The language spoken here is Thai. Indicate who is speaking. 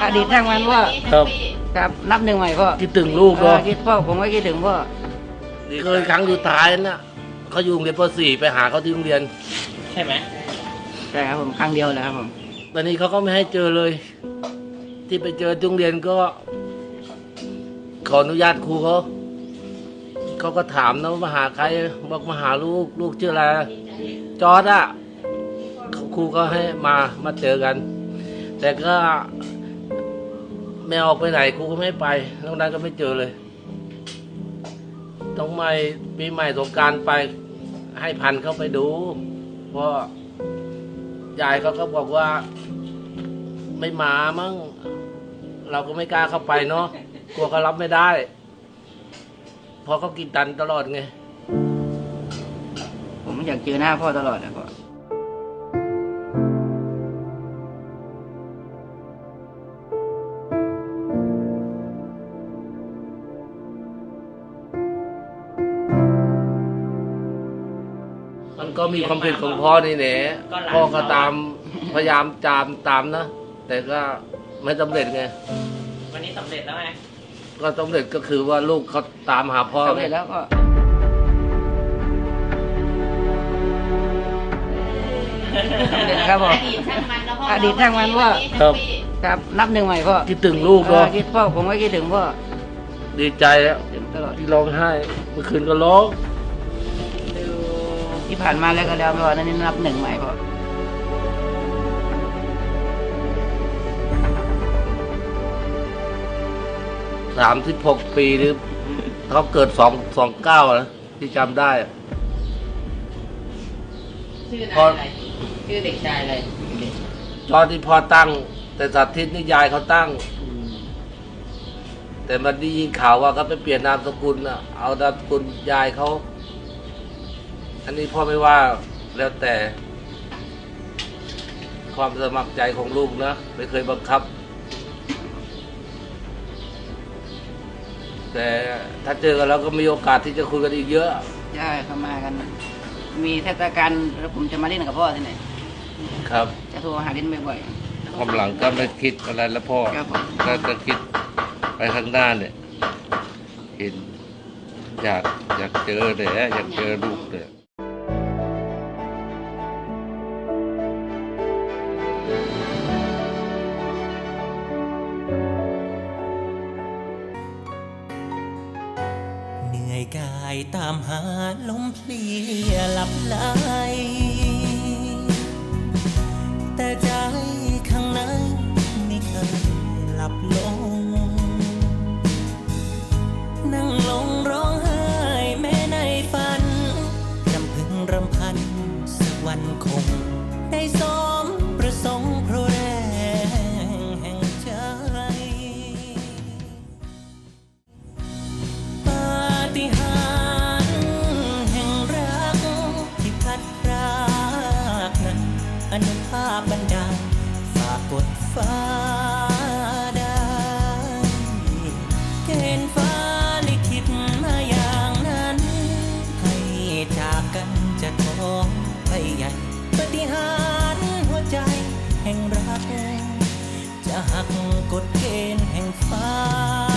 Speaker 1: อดีตช่างมันพ่อ
Speaker 2: ครับ
Speaker 1: ครับนับหนึ่งใหม่พ่อ
Speaker 2: คิดถึงลูกเนาะ
Speaker 1: คิดพ่อผมก็คิดถึงพ่อ
Speaker 2: เคยครั้งสุดท้ายน่ะเขาอยู่โรงเรียนป .4 ไปหาเขาที่โรงเรียน
Speaker 3: ใช่ไหม
Speaker 1: ใช่ครับผมครั้งเดียวแหละครับผม
Speaker 2: ตอนนี้เขาก็ไม่ให้เจอเลย ที่ไปเจอที่โรงเรียนก็ ขออนุญาตครูเขาก็ถามนะว่ามาหาใครบอกมาหาลูกชื่ออะไรจอร์ดอะครูก็ให้มาเจอกัน แต่ก็ไม่ออกไปไหนครูก็ไม่ให้ไปนอกนั้นก็ไม่เจอเลย ต้องไม่ปีใหม่สงกรานต์ไปให้พันเข้าไปดู เพราะยายเขาก็บอกว่าไม่มามั้งเราก็ไม่กล้าเข้าไปเนาะกลัวเขารับไม่ได้เพราะเขากินตันตลอดไง
Speaker 1: ผมอยากเจอหน้าพ่อตลอดนะพ่อ
Speaker 2: มันก็มีความผิดของพ่อนี่แหละพ่อก็พยายามตามนะแต่ก็ไม่สำเร็จไง
Speaker 3: วันนี้สำเร็จแล้วไง
Speaker 2: ก็สำเร็จก็คือว่าลูกเขาตามหาพ่อ
Speaker 1: สำ
Speaker 2: ไง
Speaker 1: เร็จแล้วก็สำเร็จนะครับพ่อ อดีตช่างมันพ่อ
Speaker 2: ครับ
Speaker 1: ครับนับหนึ่งใหม่พ่อ
Speaker 2: คิดถึงลูกเนาะ
Speaker 1: คิดพ่อผมก็คิดถึงพ่อ
Speaker 2: ดีใจแล้ว
Speaker 1: ถึงตลอด
Speaker 2: ที่ร้องไห้เมื่อคืนก็ร้อง
Speaker 1: ที่ผ่านมาแล้วก็แล้วพ่อนั่นนี่นับหนึ่งใหม่พ่อ
Speaker 2: 36 ปีหรือเขาเกิด29นะที่จำได้อะ
Speaker 1: ชื่อ
Speaker 2: พ่อ
Speaker 1: อะไรชื่อเด็กชายอะไร
Speaker 2: ตอนที่พ่อตั้ง แต่สาธิตนี่ยายเขาตั้ง แต่มันได้ยินข่าวว่าเขาไปเปลี่ยนนามสกุลน่ะเอานามสกุลยายเขาอันนี้พ่อไม่ว่าแล้วแต่ ความสมัครใจของลูกนะไม่เคยบังคับ แต่ถ้าเจอกันแล้วก็มีโอกาสที่จะคุยกันอีกเยอะ
Speaker 1: ใช่เขามากัน มีเทศกาลแล้วผมจะมาเล่นกับพ่อที่ไหน
Speaker 2: ครับ
Speaker 1: จะโทรหาเล่นบ่อย
Speaker 2: ความหลังก็ไม่คิดอะไรแล้วพ่อ
Speaker 1: ครับผม
Speaker 2: ก็จะคิดไปข้างหน้าเนี่ยเห็นอยากเจอเลยอยากเจอลูกเลย
Speaker 4: เหนื่อยกายตามหาลมเพลียหลับไหลแต่ใจข้างในไม่เคยหลับลงนั่งลงร้องไห้แม้ในฝันรำพึงรำพันสักวันคงได้สมประสงค์เพราะแรงแห่งใจ ปาฏิหาริย์แห่งรักที่พลัดพรากนั้นอนุภาพบันดาลฝากกดฟ้าได้เกณฑ์ฟ้าลิขิตมาอย่างนั้นให้จากกันจะท้องไปใหญ่ปาฏิหาริย์หัวใจแห่งรักจะหักกฎเกณฑ์แห่งฟ้า